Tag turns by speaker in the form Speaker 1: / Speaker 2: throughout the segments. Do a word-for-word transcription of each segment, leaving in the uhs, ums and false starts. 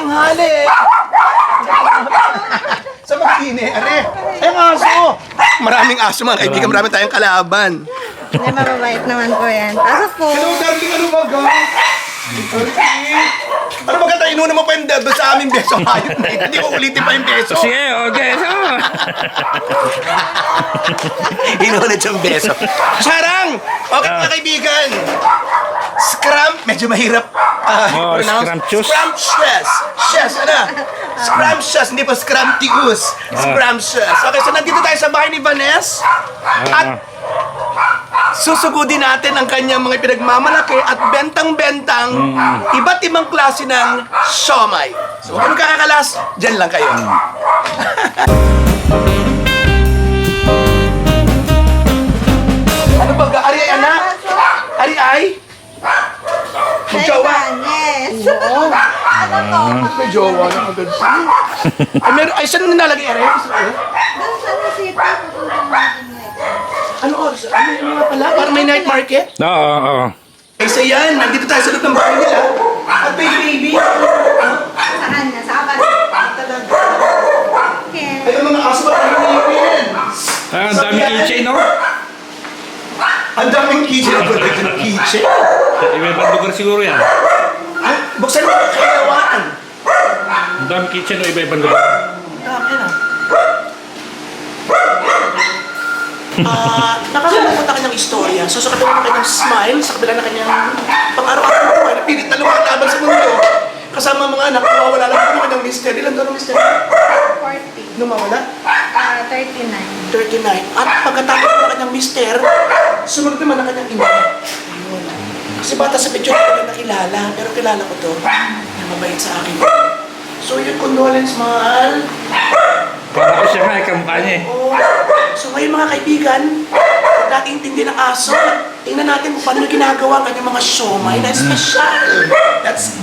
Speaker 1: tanghali. Sa mag-ine, are. Ay, ang aso. Maraming aso mga kaibigan, marami tayong kalaban.
Speaker 2: Hindi, mababait naman po yan. Pasok po.
Speaker 1: Hello, darling, ano ba ga? Ano ba ganda, inuna mo pa yung doon sa aming beso. Hayop na yun, hindi ko ulitin pa yung beso.
Speaker 3: Sige, okay. So.
Speaker 1: Inulit yung beso. Charang! Okay mga kaibigan. Scrum, medyo mahirap uh,
Speaker 3: Oh,
Speaker 1: pronounce.
Speaker 3: scrumptious.
Speaker 1: Scrumptious. Yes, ano? Scrumptious, hindi pa scrumptious. Scrumptious. Okay, so nandito tayo sa bahay ni Vanessa. At susugudin natin ang kanyang mga pinagmamalaki at bentang-bentang iba't ibang klase ng siomay. So huwag kayong kakakalas, dyan lang kayo. Ano ba? Ari ay anak? Ari ay? May jowa?
Speaker 2: Yes.
Speaker 1: Oo. May jowa na agad siya. Ay, meron, ay, saan mo nilalagay, Ari?
Speaker 2: Doon sa City, pupunta natin ngayon.
Speaker 1: Ano oras? Ano yung mga pala? Parang may night market?
Speaker 3: Oo, oo.
Speaker 1: Ay, so yan. Nandito tayo sa loob ng bahay nila. At may baby.
Speaker 2: Saan na? Sa abad. Okay.
Speaker 1: Ay, ang mga aso ba tayo nilipin?
Speaker 3: Ah, ang dami keychain, no?
Speaker 1: Ang daming keychain. Ang daming ng keychain.
Speaker 3: Iba-ibang lugar siguro yan.
Speaker 1: Ay, buksan mo ang kailawaan.
Speaker 3: Ang dami keychain, no? Iba-ibang lugar.
Speaker 1: Dami na. Ah, nakakalimutan na kanyang istorya. So sa kabila ng kanyang smile, sa kabila ng kanyang pang-araw-araw na buhay, napilit na lumalaban sa mundo. Kasama ang mga anak, nawawala lang po ng kanyang mister. Ilan doon ang mister?
Speaker 2: forty.
Speaker 1: Nung mawala?
Speaker 2: Ah, thirty-nine.
Speaker 1: thirty-nine. At pagkatapos po ng kanyang mister, sumunod naman ang kanyang ina. Ayun. Kasi bata sa picture ko na nakilala, pero kilala ko to. Na mabait sa akin. So yun, condolence, mahal.
Speaker 3: Para ko siya nga, ikamukha niya eh.
Speaker 1: Oo. So ngayon mga kaibigan, huwag natin intindi ng aso. Tingnan natin kung paano ginagawa ang kanyang mga siomay na special. That's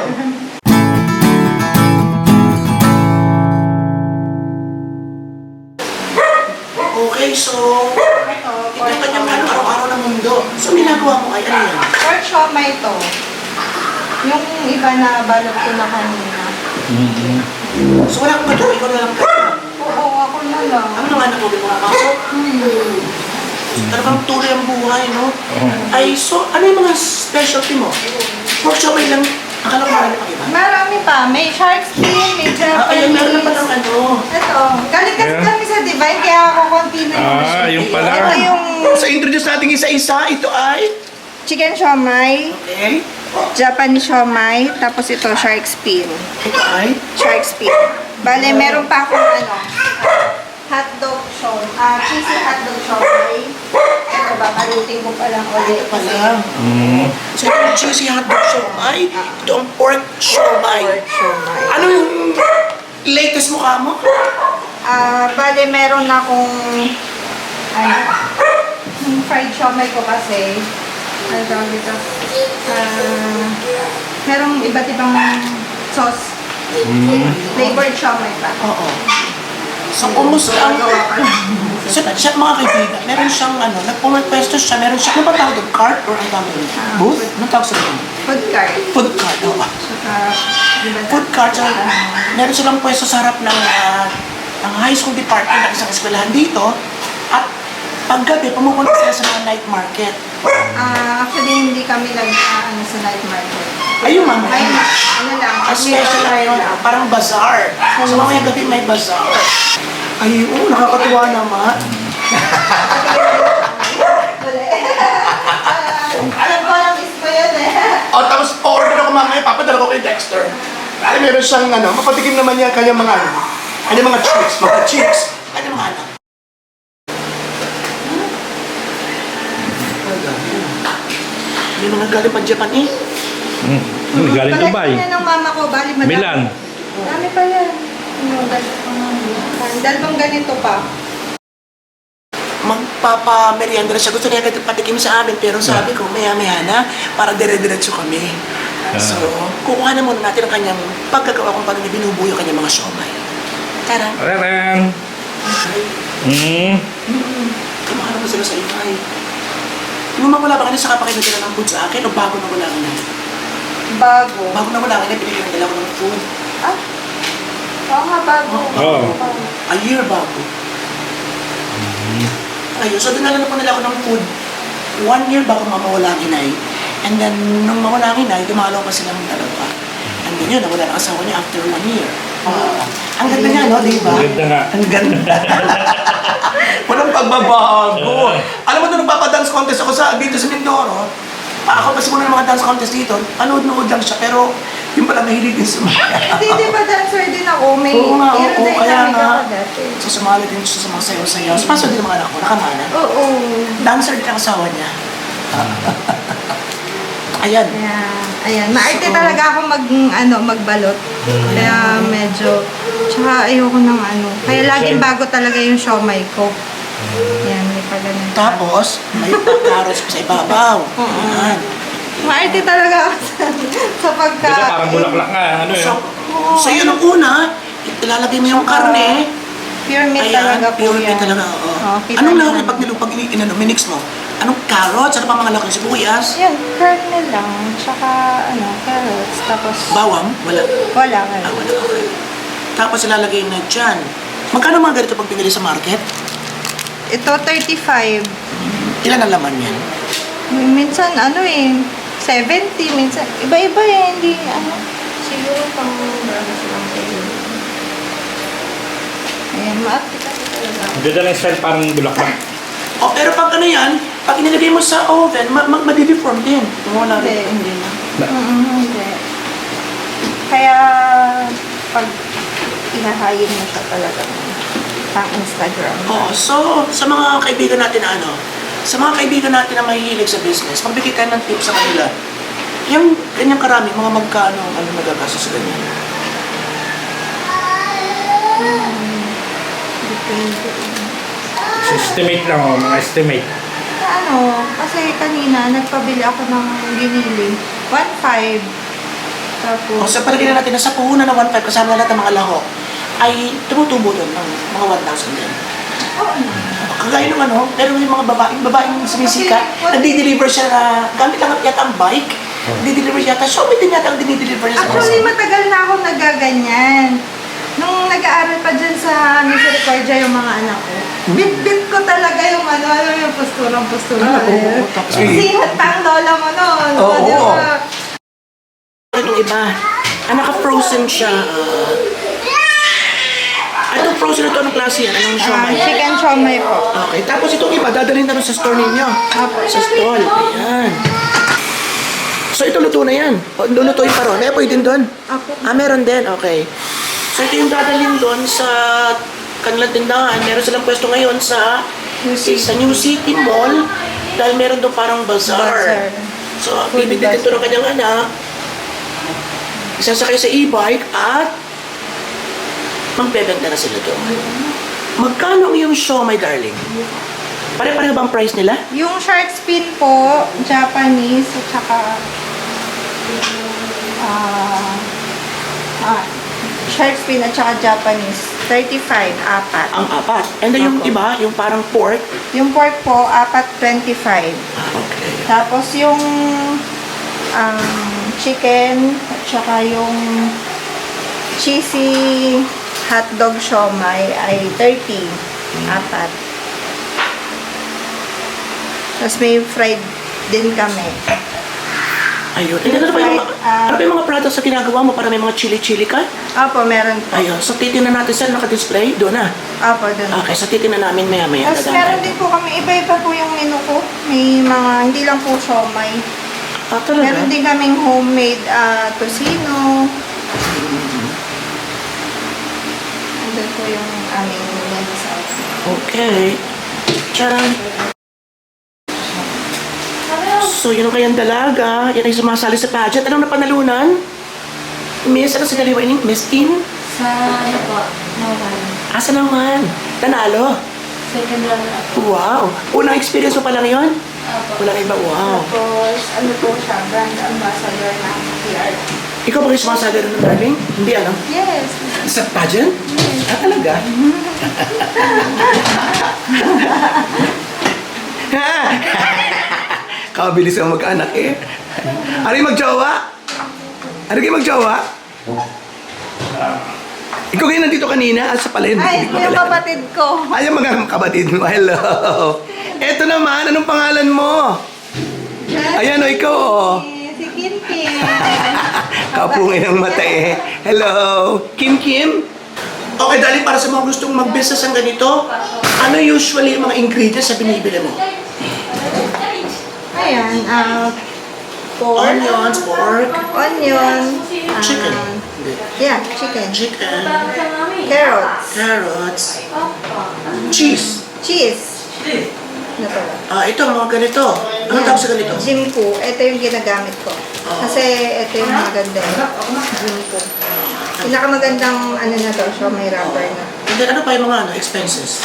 Speaker 1: okay, so ito ang kanyang ano, araw-araw ng mundo. So ginagawa mo ay ano yan?
Speaker 2: Pork siomay to. Yung iba na balot ko na kanina.
Speaker 1: So wala kang gagawa, ikaw na lang gagawa.
Speaker 2: Oo, ako na lang.
Speaker 1: Ano nang anak mo, di mga pasok?
Speaker 2: Hmm.
Speaker 1: Talagang tuloy ang buhay, no? Ay, so ano yung mga specialty mo? Pork siomay lang, akala ko marami pang iba.
Speaker 2: Marami pa. May shark fin, may
Speaker 1: Ah, ayun, meron na
Speaker 2: Japanese.
Speaker 1: palang ano.
Speaker 2: Ito. Galing kasi
Speaker 3: Yeah.
Speaker 2: kami sa Divine, kaya ako konti na yung
Speaker 3: Ah, yung pala.
Speaker 2: Ito yung
Speaker 1: So introduce natin isa-isa, ito ay...
Speaker 2: chicken siomay,
Speaker 1: Okay.
Speaker 2: Japanese siomay, tapos ito shark fin.
Speaker 1: Ito ay...
Speaker 2: Shark fin. Bale, meron pa akong ano, hotdog siomay, ah, cheesy hotdog siomay. Ito ba, palutin ko pa lang ulit.
Speaker 1: Ito pala. So ito yung cheesy hotdog siomay. Ito ang pork siomay.
Speaker 2: Pork siomay.
Speaker 1: Ano yung latest mukha mo?
Speaker 2: Ah, bale, meron akong, ano, yung fried siomay ko kasi, ano tawag dito, ah, merong iba't ibang sauce. Flavored siomay pa.
Speaker 1: Oo. So kumusta ang...
Speaker 2: Gawa ka lang.
Speaker 1: So, siya, mga kaibigan, meron siyang ano, nagpumapwesto siya, meron siya, ano ba tawag doon? Cart or ang tawag doon? Booth? Anong tawag sa doon?
Speaker 2: Food cart.
Speaker 1: Food cart, oo.
Speaker 2: Saka, iba
Speaker 1: Food cart, so, meron silang pwesto sa harap ng, ah, ng high school department ng isang eskwelahan dito. At paggabi, pumupunta sila sa mga night market.
Speaker 2: Ah, actually, hindi kami nag, ah, ano, sa night market.
Speaker 1: Ayun, mama.
Speaker 2: Ay, ano lang.
Speaker 1: Ang special na yun, ah, parang bazaar. So mamaya gabi may bazaar. Ay, oo, nakakatuwa naman.
Speaker 2: Alam ko, alam is ko yun eh.
Speaker 1: O, tapos order ako mamaya, papadala ko kay Dexter. Ay, meron siyang ano, mapatikim naman niya kanyang mga ano, kanyang mga chicks, mga chicks, kanyang mga anak. May mga galing pa Japan eh.
Speaker 3: Hmm. Hmm, galing Dubai.
Speaker 2: Collection yan ng mama ko, bali madami.
Speaker 3: Milan.
Speaker 2: Dami pa yan. Yung ganito pa nga. Dalawang ganito pa.
Speaker 1: Magpapa-merienda na siya. Gusto niya agad patikim sa amin, pero sabi ko, maya-maya na, para dire-diretso kami. So, kukuha na muna natin ang kanyang pagkagawa kung paano niya binubuyo ang kanyang mga siomay. Tara.
Speaker 3: Ayan. Hmm.
Speaker 1: Kumahan naman sila sa iyo, ay. Nung mawala ba ka na sa kapakain nila ng food sa akin, o bago na wala ka na?
Speaker 2: Bago.
Speaker 1: Bago na wala ka na, pinigyan nila ko ng food.
Speaker 2: Ah? Oo nga, bago.
Speaker 3: Oo.
Speaker 1: A year bago. Ayun, so dinala na po nila ako ng food. One year bago mamawala ang inay. And then, nung mawala ang inay, dumalaw pa silang dalawa. And then yun, nawala ang asawa niya after one year. Ah, ang ganda niya, no? Di ba?
Speaker 3: Ang ganda nga.
Speaker 1: Ang ganda. Walang pagbabago. Alam mo, nung nagpapadance contest ako sa, dito sa Mindoro, ah, ako kasi muna ng mga dance contest dito, panood-nood lang siya, pero yung pala mahilig din sumaya.
Speaker 2: Hindi, di ba dancer din ako? May
Speaker 1: Oo nga, oo,
Speaker 2: aerodynamic
Speaker 1: kaya nga.
Speaker 2: ako dati.
Speaker 1: So, sumali din siya sa mga sayaw-sayaw. So, paso din ang mga anak ko, nakamana.
Speaker 2: Oo.
Speaker 1: Dancer din ang asawa niya. Ayan.
Speaker 2: Kaya, ayan. Maarte
Speaker 1: So,
Speaker 2: talaga ako mag, ano, magbalot. Kaya medyo, tsaka ayoko ng ano. Kaya laging bago talaga yung siomay ko. Yan, may pa ganun.
Speaker 1: Tapos, may pagkaros pa sa ibabaw. Ayan.
Speaker 2: Maarte talaga ako sa, sa pagka...
Speaker 3: Ganda, parang bulaklak nga. Ano
Speaker 1: So,
Speaker 3: yun?
Speaker 1: so yun ang una, ilalagay mo yung karne.
Speaker 2: Pure meat
Speaker 1: Ayan,
Speaker 2: talaga po
Speaker 1: pure meat
Speaker 2: yan.
Speaker 1: talaga, oo.
Speaker 2: Oo, kita
Speaker 1: Anong
Speaker 2: niyo
Speaker 1: laki
Speaker 2: naman.
Speaker 1: pag nilupag, inano, minix mo? Anong carrots? Ano pa mga laki? Sibuyas?
Speaker 2: Yan, kernel lang. Tsaka, ano, carrots. Tapos,
Speaker 1: Bawang? Wala.
Speaker 2: wala ka.
Speaker 1: Ah, wala, okay. Tapos ilalagay na dyan. Magkano mga ganito pag pinili sa market?
Speaker 2: Ito, thirty-five.
Speaker 1: Ilan ang laman yan?
Speaker 2: Minsan, ano eh, seventy. Minsan, iba-iba eh. Hindi, ano, siguro pang, ano silang kayo. Ayan, maarte kasi talaga.
Speaker 3: Ang ganda ng style, parang bulaklak.
Speaker 1: Oh, pero pag ano yan, pag inilagay mo sa oven, ma ma madideform din. Wala
Speaker 2: Hindi.
Speaker 1: rin. Hindi na.
Speaker 2: Mm, hindi. Kaya, pag ihahayin mo siya talaga pang Instagram.
Speaker 1: Oo, so sa mga kaibigan natin na ano, sa mga kaibigan natin na mahihilig sa business, magbigay tayo ng tips sa kanila. Yung ganyang karami, mga magkano ang ano magagastos sa ganyan.
Speaker 2: Depende.
Speaker 3: Estimate lang, oh, mga estimate.
Speaker 2: Ano, kasi kanina nagpabili ako ng ginili. one five. Tapos,
Speaker 1: O sa palagay na natin na sa puhunan ng one five kasama na lahat ng mga laho, ay tumutubo doon ng mga one thousand din.
Speaker 2: oo na.
Speaker 1: Kagaya ng ano, pero yung mga babaeng, babaeng sumisika, nagdi-deliver siya na, gamit lang yata ang bike, nagdi-deliver siya yata, Shopee din yata ang dinideliver niya sa
Speaker 2: Actually, matagal na ako nagaganyan. Nung nag-aaral pa dyan sa Misericordia yung mga anak ko, bit-bit ko talaga yung ano, ano yung posturang-postura.
Speaker 1: Ah, oo, oo, tapos-
Speaker 2: Sihat pa ang lola mo noon.
Speaker 1: Oo,
Speaker 2: di
Speaker 1: oo.
Speaker 2: ba?
Speaker 1: Itong iba, ah, naka-frozen siya. Ah, itong frozen ito, anong klase yan? Anong
Speaker 2: Ah,
Speaker 1: siomay?
Speaker 2: chicken siomay po.
Speaker 1: Okay, tapos itong iba, dadalhin na rin sa store ninyo. Sa stall, ayan. So ito luto na yan. O, lulutuin pa ron. Eh, pwede din doon.
Speaker 2: Ako.
Speaker 1: Ah, meron din, okay. So ito yung dadalhin doon sa kanilang tindahan. Meron silang pwesto ngayon sa
Speaker 2: New City.
Speaker 1: sa New City Mall dahil meron doon parang bazaar.
Speaker 2: Bazaar.
Speaker 1: So,
Speaker 2: Food
Speaker 1: bibigyan ito ng
Speaker 2: bazaar.
Speaker 1: kanyang anak, isasakay sa e-bike at magbebenta na sila doon. Magkano ang iyong show, my darling? Pare-pareho bang price nila?
Speaker 2: Yung shark fin po, Japanese, at saka ah ah, shark fin at saka Japanese, thirty-five, apat.
Speaker 1: Ang apat. And then yung
Speaker 2: Opo.
Speaker 1: iba, yung parang pork.
Speaker 2: Yung pork po, apat, twenty-five.
Speaker 1: Ah, okay.
Speaker 2: Tapos yung um, chicken at saka yung cheesy hotdog siomai ay thirty, apat. Tapos may fried din kami.
Speaker 1: Ayun. And then ano ba yung, mga-
Speaker 2: Ah.
Speaker 1: ano ba yung mga products na ginagawa mo para may mga chili-chili ka?
Speaker 2: Opo, meron po.
Speaker 1: Ayun. So titingnan natin saan naka-display. Doon na.
Speaker 2: Opo, dun.
Speaker 1: Okay, so titingnan namin maya-maya.
Speaker 2: Tapos
Speaker 1: Dadaan
Speaker 2: meron
Speaker 1: tayo.
Speaker 2: din po kami, iba-iba po yung menu ko. May mga, hindi lang po siomai.
Speaker 1: Ah, talaga?
Speaker 2: Meron din kaming homemade ah, tocino. Andun po yung aming menu sa
Speaker 1: Okay. Charan. So, yun ang kayang dalaga. Yan ay sumasali sa pageant. Anong napanalunan? Miss, ano sinaliwa ini? Miss In?
Speaker 4: Sa ano po, Nawan.
Speaker 1: Asa naman? Nanalo?
Speaker 4: Second round ako.
Speaker 1: Wow. Unang experience mo pa lang yun?
Speaker 4: Apo.
Speaker 1: Walang iba. Wow.
Speaker 2: Tapos, ano po siya, brand ambassador ng P R.
Speaker 1: Ikaw ba kayo sumasali ng darling? Hindi ano?
Speaker 2: Yes.
Speaker 1: Sa pageant? Ah, talaga? Kabilis ang mag-anak eh. Ano yung mag-jowa? Ano yung mag-jowa? Ikaw kayo nandito kanina ah, sa palengke.
Speaker 2: Ay,
Speaker 1: Hindi ko
Speaker 2: yung
Speaker 1: kilala.
Speaker 2: kapatid ko.
Speaker 1: Ay, yung mga kapatid mo. Hello. Eto naman, anong pangalan mo? Ayan o, ikaw o.
Speaker 2: Si Kim Kim.
Speaker 1: Kapungin ang mata eh. Hello. Kim Kim? Okay, dali para sa mga gustong mag-business ng ganito, ano usually yung mga ingredients na binibili mo?
Speaker 2: Ayan, ah, pork.
Speaker 1: Onions, pork,
Speaker 2: Onion. ah,
Speaker 1: chicken,
Speaker 2: Yeah, chicken.
Speaker 1: chicken,
Speaker 2: Carrots.
Speaker 1: carrots, cheese.
Speaker 2: Cheese. Ano to?
Speaker 1: Ah, ito, mga ganito. Anong tawag sa ganito?
Speaker 2: Jimpo. Ito yung ginagamit ko. Kasi ito yung maganda. Jimpo. Pinakamagandang ano na to, siya may rubber na.
Speaker 1: And then, ano pa yung mga ano, expenses?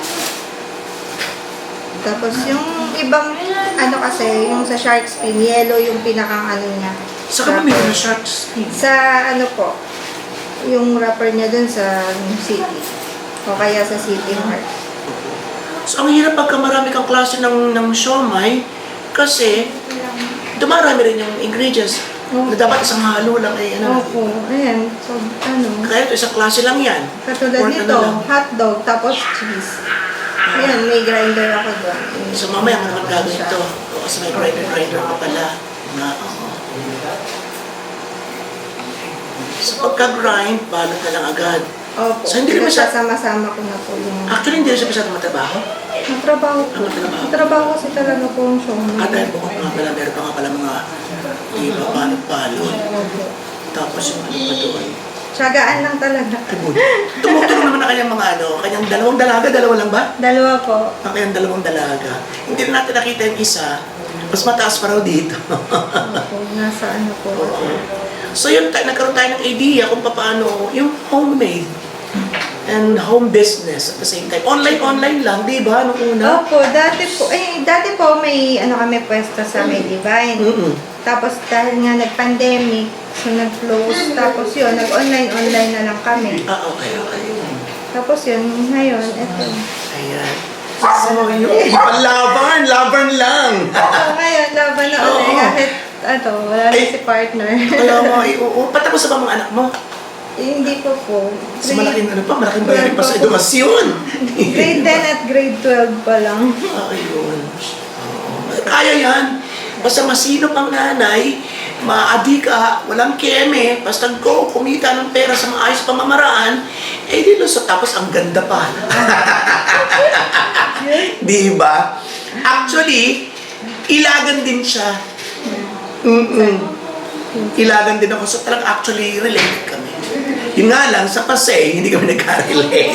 Speaker 2: Tapos yung ibang ano kasi, yung sa shark fin, yellow yung pinakang ano niya.
Speaker 1: Sa ka bumili
Speaker 2: wrapper.
Speaker 1: ng sharks?
Speaker 2: Sa ano po, yung wrapper niya dun sa city. O kaya sa City Mart.
Speaker 1: So, ang hirap pagka marami kang klase ng, ng siomay kasi dumarami rin yung ingredients na dapat isang halo lang eh. Ano,
Speaker 2: Opo, ayan. So, ano,
Speaker 1: kaya ito, isang klase lang yan.
Speaker 2: katulad
Speaker 1: Pork
Speaker 2: nito,
Speaker 1: ano lang.
Speaker 2: hotdog, tapos cheese. Ayan, may grinder ako doon.
Speaker 1: So mamaya mo naman gagawin ito. O, kasi may grinder-grinder ka pala. Na, oo. So pagka-grind, balot na lang agad.
Speaker 2: Opo,
Speaker 1: So, hindi rin masya-
Speaker 2: sama-sama ko na po yung...
Speaker 1: Actually, hindi rin siya masyadong matrabaho.
Speaker 2: Matrabaho po.
Speaker 1: Ano trabaho?
Speaker 2: Matrabaho kasi talaga po ang show.
Speaker 1: At dahil bukod nga pala, meron pa nga pala mga iba, balot-balot.
Speaker 2: Opo.
Speaker 1: Tapos yung ano pa doon.
Speaker 2: Tiyagaan lang talaga.
Speaker 1: Ay, buti. Tumutulong naman ang kanyang mga ano, kanyang dalawang dalaga, dalawa lang ba?
Speaker 2: Dalawa po.
Speaker 1: Ang kanyang dalawang dalaga. Hindi na natin nakita yung isa, mas mataas pa raw dito.
Speaker 2: Opo, nasa ano po.
Speaker 1: Oo. So yun, tayo, nagkaroon tayo ng idea kung paano yung homemade and home business at the same time. Online-online lang, di ba? Nung una.
Speaker 2: Opo, dati po, eh, dati po may ano kami pwesto sa Medivine.
Speaker 1: Mm-mm.
Speaker 2: Tapos dahil nga nag-pandemic, so nag-close. Tapos yun, nag-online-online na lang kami.
Speaker 1: Ah, okay, okay.
Speaker 2: Tapos yun, ngayon, eto.
Speaker 1: Ayan. So yun, laban, laban lang.
Speaker 2: So ngayon, laban na ulit.
Speaker 1: Oo.
Speaker 2: Kahit, ano, wala na
Speaker 1: Ay.
Speaker 2: si partner.
Speaker 1: Kaya mo, iuu. Patapos na ba mga anak mo?
Speaker 2: Eh, hindi po po.
Speaker 1: Kasi malaking ano pa, malaking bayarin pa sa edukasyon.
Speaker 2: Grade ten at grade twelve pa lang.
Speaker 1: Ah, ayun. Oo. Kaya yan. Basta masinop ang nanay, maadi ka, walang keme, basta go, kumita ng pera sa maayos pamamaraan, eh di lusot. Tapos ang ganda pa. Di ba? Actually, ilagan din siya. Mm-mm. Ilagan din ako. So talagang actually related kami. Yun nga lang, sa Pasay, hindi kami nagka-relate.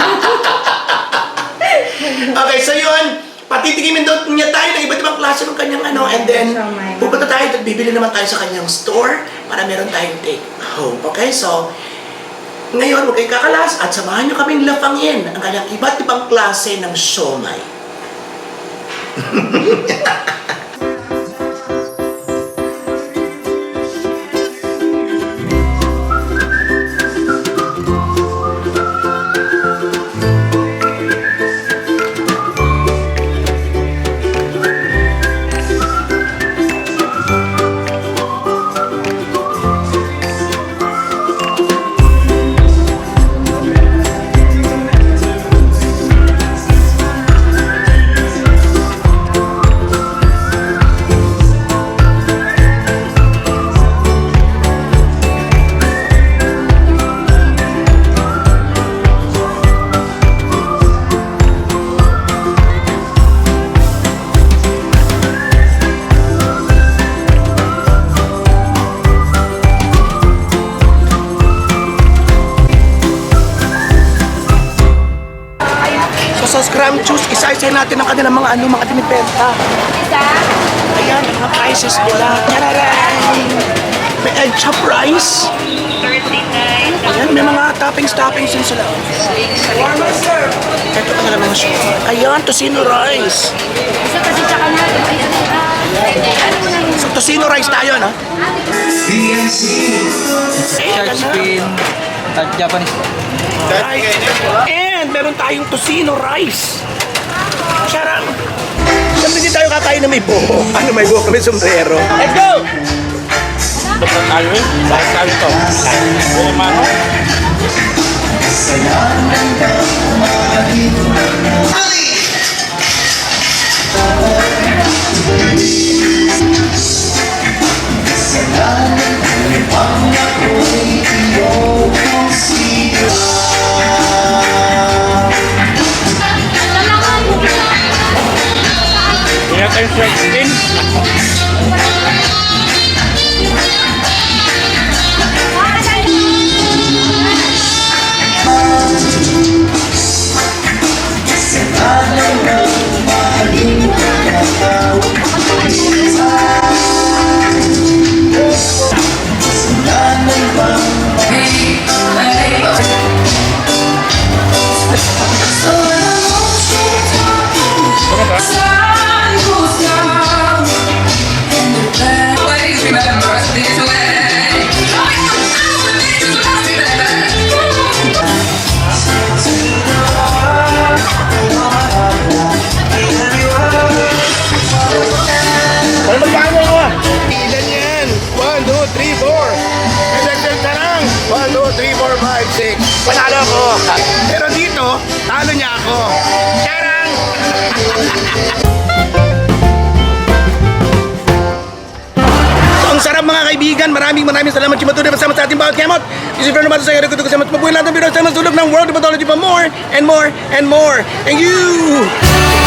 Speaker 1: Okay, so yun, patitikimin daw niya tayo ng iba't ibang klase ng kanyang ano, and then pupunta tayo at bibili naman tayo sa kanyang store para meron tayong take home. Okay, so ngayon, huwag kayo kakalas at samahan nyo kaming lapangin ang kanyang iba't ibang klase ng siomay. So sa Scrum Juice, isa-isa natin ang kanilang mga ano, mga dinipenta. Ayan, ang mga prices nila. Tararay! May egg chop rice. Ayan, may mga toppings-toppings din sila. Ito ka na mga show. Ayan, tocino rice.
Speaker 4: Isa kasi tsaka na.
Speaker 1: So, tocino rice tayo, no?
Speaker 5: Shark fin at Japanese.
Speaker 1: And meron tayong tocino rice. Sarap. Siyempre hindi tayo kakain na may buho. Ano may buho kami sombrero. Let's go!
Speaker 3: Ba't na tayo eh? Bakit tayo ito? Eh, mano? Hindi tayo shark fin. Ano ba? Ano magpaano ako ah?
Speaker 6: Ilan yan? one, two, three, four. Nagdagdag ka lang. one, two, three, four, five, six. Panalo ako. Pero dito, talo niya ako. Charang! So, ang sarap mga kaibigan. Maraming maraming salamat sa matuloy kasama sa ating bawat kemot. This is Fernando Mato sa Eriko Tuko sa Mabuhay lahat ng biro sa mas tulog ng World of Pathology pa more and more and more. Thank you!